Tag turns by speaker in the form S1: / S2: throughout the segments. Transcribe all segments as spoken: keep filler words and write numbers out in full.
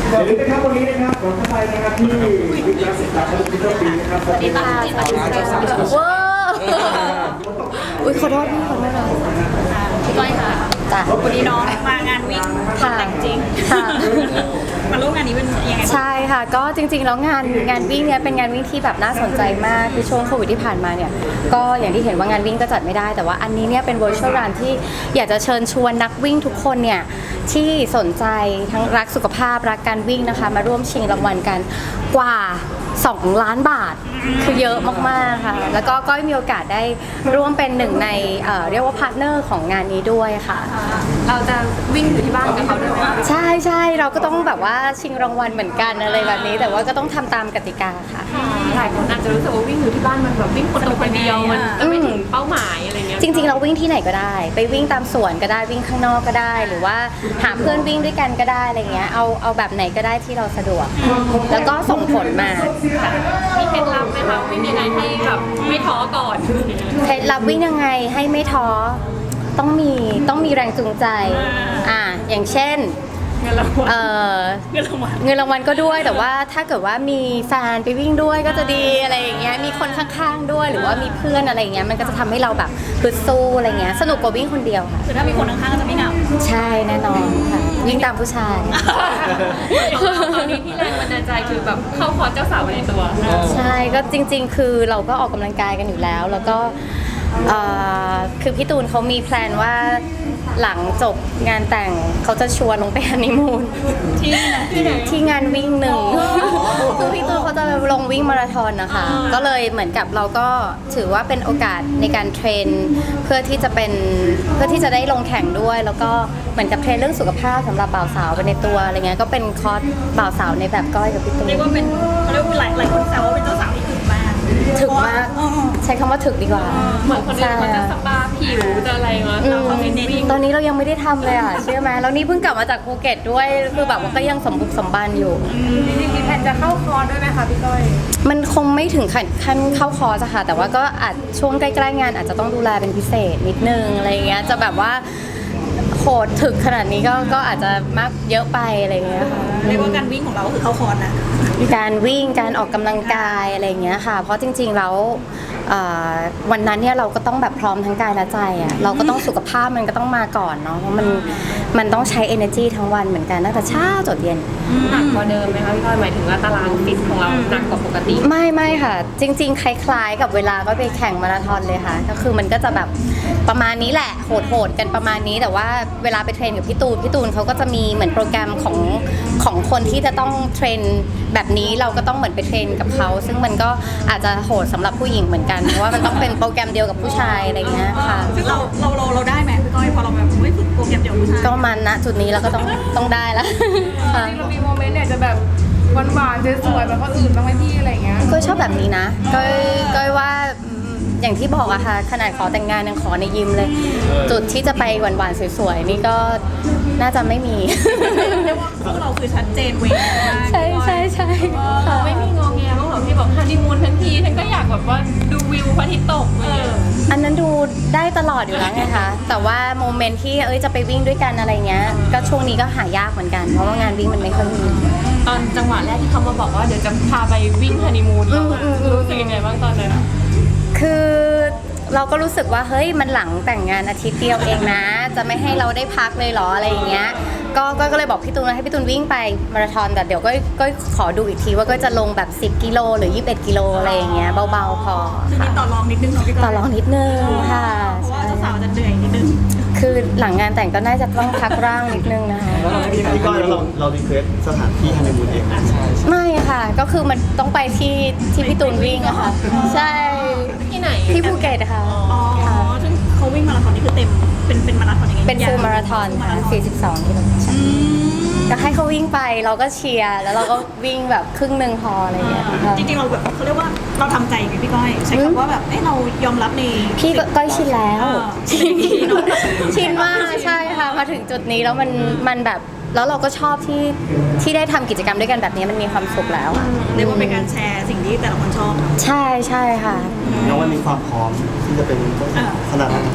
S1: อย่าลืมนะครับวันนี้นะครับขอเข้าไปนะครับที่วิทยาศิลปะและศิลปินนะครับสวัสดีค่ะสวัสดีค่ะ
S2: ว้าวอุ้ยขอโทษพี่ขอโทษนะ
S3: พี่ก้อยค่ะ
S2: จ้ะ
S3: วันนี้น้องมางานวิ่งแต่งจริง
S2: ค่ะ
S3: มาร่วมงานนี้เป็นยังไง
S2: ใช่ค่ะก็จริงๆแล้วงานงานวิ่งเนี่ยเป็นงานวิ่งที่แบบน่าสนใจมากคือช่วงโควิดที่ผ่านมาเนี่ยก็อย่างที่เห็นว่างานวิ่งก็จัดไม่ได้แต่ว่าอันนี้เนี่ยเป็น virtual run ที่อยากจะเชิญชวนนักวิ่งทุกคนเนี่ยที่สนใจทั้งรักสุขภาพรักการวิ่งนะคะมาร่วมชิงรางวัลกันกว่าสองล้านบาทคือเยอะมากๆค่ะแล้วก็ก็มีโอกาสได้ร่วมเป็นหนึ่งในเอ่อเรียกว่าพาร์ทเนอร์ของงานนี้ด้วยค่ะ
S3: เราจะวิ่งอยู่ที่บ้านกับเขาด้วยไหม
S2: ใช่ใช่เราก็ต้องแบบว่าชิงรางวัลเหมือนกันอะไรแบบนี้แต่ว่าก็ต้องทำตามกติกาค่ะ
S3: หลายคนอาจจะรู้สึกว่าวิ่งอยู่ที่บ้านมันแบบวิ่งคนตัวคนเดียวมันจะไม่ถึงเป้าหมายอะไรเงี้ย
S2: จริงๆเราวิ่งที่ไหนก็ได้ไปวิ่งตามสวนก็ได้วิ่งข้างนอกก็ได้ หรือว่าหาเพื่อนวิ่งด้วยกันก็ได้อะไรเงี้ยเอาเอาแบบไหนก็ได้ที่เราสะดวกแล้วก็ส่งผลมา
S3: มีเคล็ดลับไหมคะวิ่งยังไงให้แบบไม่ท้อก่อน
S2: เคล็ดลับวิ่งยังไงให้ไม่ท้อต้องมีต้องมีแรงจูงใจอ่าอย่างเช่น
S3: เงินรางวัล
S2: เออ
S3: เงินรางวัล
S2: เงินรางวัลก็ด้วยแต่ว่าถ้าเกิดว่ามีแฟนไปวิ่งด้วยก็จะดีอะไรอย่างเงี้ยมีคนข้างๆด้วยหรือว่ามีเพื่อนอะไรอย่างเงี้ยมันก็จะทำให้เราแบบฮึดสู้อะไรเงี้ยสนุกกว่าวิ่งคนเดียวค่ะ
S3: คือถ้ามีคนข้างๆก็จะไม่เหงา
S2: ใช่แน่นอนค่ะวิ่งตามผู้ชาย
S3: ตอนนี้ที่แรงบันดาลใจคือแบบเข้าคอร์สเจ้าสาวในตัว
S2: ใช่ก็จริงๆคือเราก็ออกกำลังกายกันอยู่แล้วแล้วก็คือพี่ตูนเขามีแพลนว่าหลังจบงานแต่งเขาจะชวนลงไปฮันนีมูน
S3: ที่ที่ไหน
S2: ที่งานวิ่งหนึ่งคือพี่ตูนเขาจะลงวิ่งมาราธอนนะคะก็เลยเหมือนกับเราก็ถือว่าเป็นโอกาสในการเทรนเพื่อที่จะเป็นเพื่อที่จะได้ลงแข่งด้วยแล้วก็เหมือนกับเทรนเรื่องสุขภาพสำหรับบ่าวสาวไปในตัวอะไรเงี้ยก็เป็นคอร์สบ่าวสาวในแบบก้อยกับพี่ตูน
S3: เรียกว่าเป็นเขาเรียกว่าหลายหลายคนแซวว่าเป็นเจ้าสาวที่ถึงมาก
S2: ถึงมากใช้คำว่าถึกดีกว่า
S3: เหมือนคนอื่นเขาจะสปาผิวจะอะไรวะเราเขาเป็นเน้น
S2: ตอนนี้เรายังไม่ได้ทำเลยอ่ะเชื่อไหมแล้วนี่เพิ่งกลับมาจากภูเก็ตด้วยคือแบบว่าก็ยังสมบุกสมบันอยู่
S3: จริงๆมีแผนจะเข้าคอร์สด้วยไหมคะพี่ก้อย
S2: มันคงไม่ถึงขั้นเข้าคอร์สค่ะแต่ว่าก็อาจช่วงใกล้ๆงานอาจจะต้องดูแลเป็นพิเศษนิดนึงอะไรเงี้ยจะแบบว่าโหดถึกขนาดนี้ก็ก็อาจจะมากเยอะไปอะไรเงี้ยค่ะ
S3: เรียกว่าการวิ่งของเราคือเข้าคอร์สนะ
S2: การวิ่งการออกกำลังกายอะไรเงี้ยค่ะเพราะจริงๆแล้ววันนั้นเนี่ยเราก็ต้องแบบพร้อมทั้งกายและใจอ่ะเราก็ต้องสุขภาพมันก็ต้องมาก่อนเนาะเพราะมันมันต้องใช้ energy ทั้งวันเหมือนกันตั้งแต่เช้าจนเย็น
S3: หนักกว่าเดิมไหมคะพี่ก้อยหมายถึงว่าตารางฟิตของเราหนักกว่าปกติ
S2: ไม่ไม่ค่ะจริงๆคล้ายๆกับเวลาก็ไปแข่งมาราธอนเลยค่ะก็คือมันก็จะแบบประมาณนี้แหละโหดๆกันประมาณนี้แต่ว่าเวลาไปเทรนกับพี่ตูนพี่ตูนเขาก็จะมีเหมือนโปรแกรมของของคนที่จะต้องเทรนแบบนี้เราก็ต้องเหมือนไปเทรนกับเขาซึ่งมันก็อาจจะโหดสำหรับผู้หญิงเหมือนกันเพราะว่ามันต้องเป็นโปรแกรมเดียวกับผู้ชายอะไรเงี้ยค่ะ
S3: ซึ่งเราเราเราเราได้ไหมพี่ก้อยพอเราแบบไม่ฝึกโปรแกรมเดียวกับผู้ชาย
S2: ก็มันณจุดนี้เราก็ต้องต้องได้แล้ว
S3: เรามีโมเมนต์เนี่ยจะแบบหวานๆสวยๆแบบคนอื่นบ้างไหมพี่อะไรเงี้ย
S2: ก็ชอบแบบนี้นะก็ก็ว่าอย่างที่บอกอะค่ะขนาดขอแต่งงานยังขอในยิมเลยจุดที่จะไปหวานๆสวยๆนี่ก็น่าจะไม่มี
S3: เรียกว่าพวกเราคือชัดเจนเว้ย
S2: ใช่ใช่ใช่
S3: ไม่มีงอแงบ้างหรอพี่บอกฮันนีมูนทั้งทีฉันก็อยากแบบว่าดูวิวพระอาทิตย์ตกเลย
S2: อันนั้นดูได้ตลอดอยู่แล้วไงคะแต่ว่าโมเมนต์ที่เอ้ยจะไปวิ่งด้วยกันอะไรเงี้ยก็ช่วงนี้ก็หายากเหมือนกันเพราะว่างานวิ่งมันไม่ค่อยมี
S3: ตอนจังหวะแรกที่เขามาบอกว่าเดี๋ยวจะพาไปวิ่งฮันนีมูนรู้สึกยังไงบ้างตอนนั้น
S2: คือเราก็รู้สึกว่าเฮ้ยมันหลังแต่งงานอาทิตย์เดียวเองนะจะไม่ให้เราได้พักเลยเหรออะไรอย่างเงี้ยก็ก็เลยบอกพี่ตูนให้พี่ตูนวิ่งไปมาราธอนแต่เดี๋ยวก็ก็ขอดูอีกทีว่าก็จะลงแบบสิบกิโลหรือยี่สิบเอ็ดกิโลอะไรอย่างเงี้ยเบาๆพอ
S3: คือมีต่อรองนิดนึงพี่ก้อย
S2: ต่อรองนิดนึงค่ะ
S3: เพราะว่าเจ้าสาวจะเหนื่อยนิดนึง
S2: คือหลังงานแต่งก็น่าจะต้องพักร่างนิดนึงนะคะ
S1: พี่พี่ก้อยแล้วเราเรารีเควสสถานที่ฮันนีมูนเอง
S2: ไม่ค่ะก็คือมันต้องไปที่ที่พี่ตูนวิ่งอะค่ะใช่
S3: ที่ไหน
S2: ที่ภูเก็ตค่ะ
S3: อ๋อซึ่งเขาวิ่งมาราธอนนี่คือเต็มเป็นเป็นมาราธอนยังไง
S2: เป็นฟูลมาราธอนค่ะสี่สิบสองกิโลเมตรก็ให้เขาวิ่งไปเราก็เชียร์แล้วเราก็วิ่งแบบครึ่งหนึ่งพออะไรอย่างเงี้ย
S3: จริงๆเราแบบเขาเรียกว่าเราทำใจกับพี่ก้อยใช้คำว่าแบบเอ้เรายอมรับใน
S2: พี่ก้อยชินแล้วชินมากใช่ค่ะมาถึงจุดนี้แล้วมันมันแบบแล้วเราก็ชอบที่ที่ได้ทำกิจกรรมด้วยกันแบบนี้มันมีความสุขแล้ว
S3: เรียกว่าเป็นการแชร์สิ่งที่แต่ละคนชอบ
S2: ใช่ใช่ค่ะ
S1: แล้ววันนี้ความพร้อมที่จะเป็นขนาดนั้น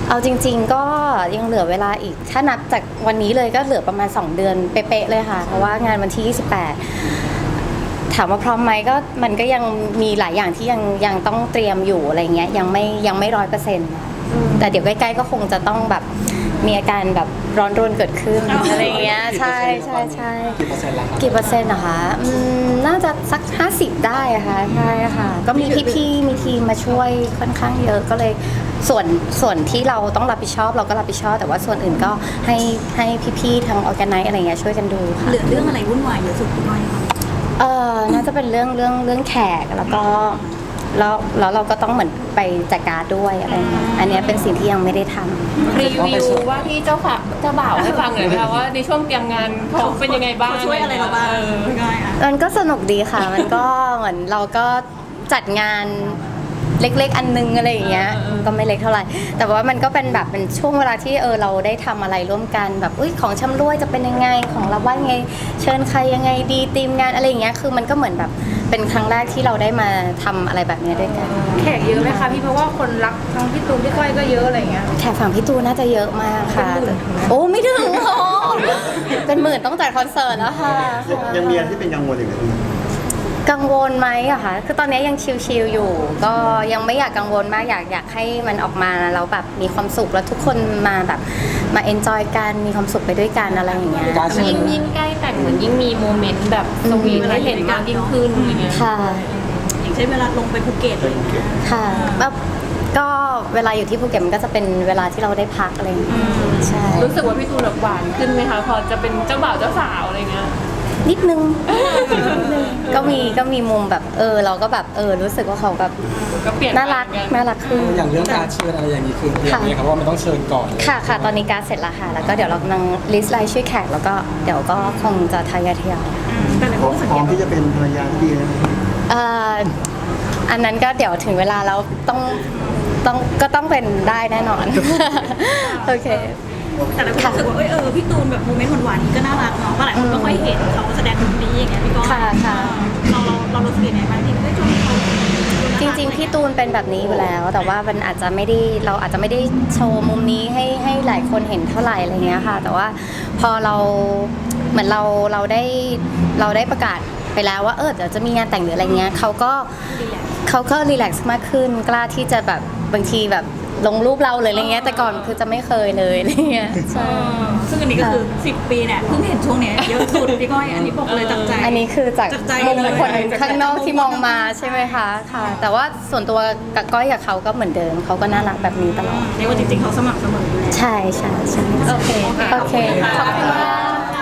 S2: เอาจริงๆก็ยังเหลือเวลาอีก ถ้านับจากวันนี้เลยก็เหลือประมาณ สอง เดือนเป๊ะๆเลยค่ะ เพราะว่างานวันที่ ยี่สิบแปด ถามว่าพร้อมไหมก็มันก็ยังมีหลายอย่างที่ยังยังต้องเตรียมอยู่อะไรเงี้ยยังไม่ยังไม่ร้อยเปอร์เซ็นต์แต่เดี๋ยวใกล้ๆก็คงจะต้องแบบมีอาการแบบร้อนรนเกิดขึ้นอะไรเงี้ยใช่ใช่ใช่
S4: กี่เปอร์เซ็นต์ละครับ
S2: กี่เปอร์เซ็นต์นะคะอืมน่าจะสัก ห้าสิบ ได้อะค่ะใช่ค่ะก็มีพี่ๆมีทีมมาช่วยค่อนข้างเยอะก็เลยส่วนส่วนที่เราต้องรับผิดชอบเราก็รับผิดชอบแต่ว่าส่วนอื่นก็ให้ให้พี่ๆทางออแกไนซ์อะไรเงี้ยช่วยกันดูค่ะ
S5: เหลือเรื่องอะไรวุ่นวายเยอะสุดพี่ก้อยคะ
S2: เออน่าจะเป็นเรื่องเรื่องเรื่องแขกแล้วก็แล้วแล้วเราก็ต้องเหมือนไปจัดการด้วยอะไรเงี้ยอันเนี้ยเป็นสิ่งที่ยังไม่ได้ทำ
S3: รีวิวว่าที่เจ้าฝากเจ้าบ่าวให้ฟังหน่อยไหมคะว่าในช่วงเตรียมงานเขาเป็นยังไงบ้าง
S5: เขาช่วยอะไรเราบ้างพี่ก้อยอ่ะ
S2: มันก็สนุกดีค่ะ มันก็เหมือนเราก็จัดงานเล็กๆ อันนึงอะไรอย่างเงี้ยก็ไม่เล็กเท่าไหร่ แต่ว่ามันก็เป็นแบบเป็นช่วงเวลาที่เออเราได้ทำอะไรร่วมกันแบบอุ้ยของชำร่วยจะเป็นยังไงของเราว่ายังไงเชิญใครยังไงดีทีมงานอะไรอย่างเงี้ยคือมันก็เหมือนแบบเป็นครั้งแรกที่เราได้มาทำอะไรแบบเนี้ยด้วยกัน
S6: แขกเยอะไหมคะพี่เพราะว่าคนรักทั้งพี่ตูนพี่ก้อยก็เยอะอะไรอย่างเงี้ย
S2: แขกฝั่งพี่ตูนน่าจะเยอะมากค่ะ
S6: เป็นหมื่น
S2: โอ้ไม่ถึงโอ้เป็นหมื่นต้องจัดคอนเสิร์ตแล้วค่ะ
S4: ยังมีอะไรที่เป็นกังวลอยู่ไหม
S2: กังวลไหมอะคะคือตอนนี้ยังชิลๆอยู่ ก็ยังไม่อยากกังวลมากอยากอยากให้มันออกมาแล้วแบบมีความสุขแล้วทุกคนมาแบบมาเอนจอยกันมีความสุขไปด้วยกันอะไรอย่างเงี้ย
S4: การเชิญ
S3: ยิ่งยิ่งใกล้แต่งเหมือนยิ่งมีโมเมนต์แบบสวีทให้เห็นมากยิ่งขึ้นอย่างเงี้ย
S2: ค่ะ
S5: อย่างเช่นเวลาลงไปภูเก็ตอะไรอย่างเงี้ย
S2: ค่ะแบบก็เวลาอยู่ที่ภูเก็ตมันก็จะเป็นเวลาที่เราได้พักอะไรอย่างเงี้ยใช่
S3: รู้สึกว่าพี่ตูนแบบหวานขึ้นไหมคะพอจะเป็นเจ้าบ่าวเจ้าสาวอะไรเงี้ย
S2: นิดนึงก็มีก็มีมุมแบบเออเราก็แบบเออรู้สึกว่าเขาแบบ
S3: ก็เปลี่ยน
S2: น่ารัก
S3: ไปเหมือนกัน
S2: น่ารักขึ้น
S4: อย่างเรื่องการเชิญอะไรอย่างนี้คือเตรียมไหมครับว่ามันต้องเชิญก่อนเลย
S2: ค่ะค่ะตอนนี้การดเสร็จแล้วค่ะ แล้วก็เดี๋ยวเรากำลังลิสต์รายชื่อแขกแล้วก็เดี๋ยวก็คงจะทยอยทยอย
S5: แต่หลาย
S4: พ
S5: ค
S4: ร้อน ม
S5: ก็สัง
S4: พร้
S5: เก
S4: อม
S5: ต
S4: ที่จะเป็นภรรยาที่ดีนะ
S2: เอ่ออันนั้นก็เดี๋ยวถึงเวลาแล้วต้องต้องก็ต้องเป็นได้แน่นอน โอเค
S5: แต่หลายคนรู้สึกว่าเอยเออพี่ตูนแบบโมเมนต์หวานๆนี้ก็น่ารักเนาะเพราะหลายคนไม่ค่อยเห็นเขาแสดงแบบนี้อย่างเงี้ยพี่ก้อย
S2: ค่ะค่ะ
S5: เราเราเรารู้สึกยังไงบ้างที่ได้ชมเขา
S2: จริงๆพี่ตูนเป็นแบบนี้อยู่แล้ว แต่ว่ามันอาจจะไม่ได้เราอาจจะไม่ได้โชว์มุมนี้ให้ให้หลายคนเห็นเท่าไหร่อะไรเงี้ยค่ะ แต่ว่าพอเราเหมือนเราเราได้เราได้ประกาศไปแล้วว่าเออเดี๋ยวจะมีงานแต่งหรืออะไรเงี้ยเขาก็เขาก็รีแลกซ์มากขึ้นกล้าที่จะแบบบางทีแบบลงรูปเราเลยอะไรเงี้ยแต่ก่อนคือจะไม่เคยเลยอะไรเงี้ยใช่
S5: ซึ่งอันนี้ก็คือสิบปีเนี่ยเพิ่งเห็นช่วงเนี้ยเยอะสุดพี่ก้อยอันนี้บอกเลยจากใจ
S2: อันนี้คือจาก
S5: จากใจ
S2: มุม
S5: เลย
S2: คนข้างนอกที่มองมาใช่ไหมคะค่ะ แต่ว่าส่วนตัวกับก้อยกับเขาก็เหมือนเดิมเขาก็น่ารักแบบนี้ตลอด
S5: เรียกว่าจริงๆเขาสมัครเสมออยู่แล้ว
S2: ใช่ใช่ใช่
S3: โอเคค่ะ
S2: โอเคขอบคุณมาก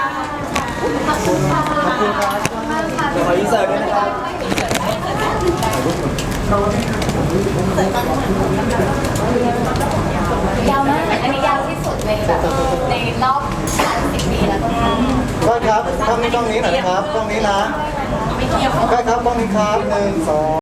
S4: เดี๋ยวขออินเสิร์ตด้วยนะครับ
S2: ยาวมากอันนี้ยาวที่สุดในแบบในรอบสามสิบปีแล้วก็
S4: ก็ครับกล้องนี้กล้องนี้หน่อยนะครับกล้องนี้นะก็ครับกล้องนี้ครับหนึ่งสอง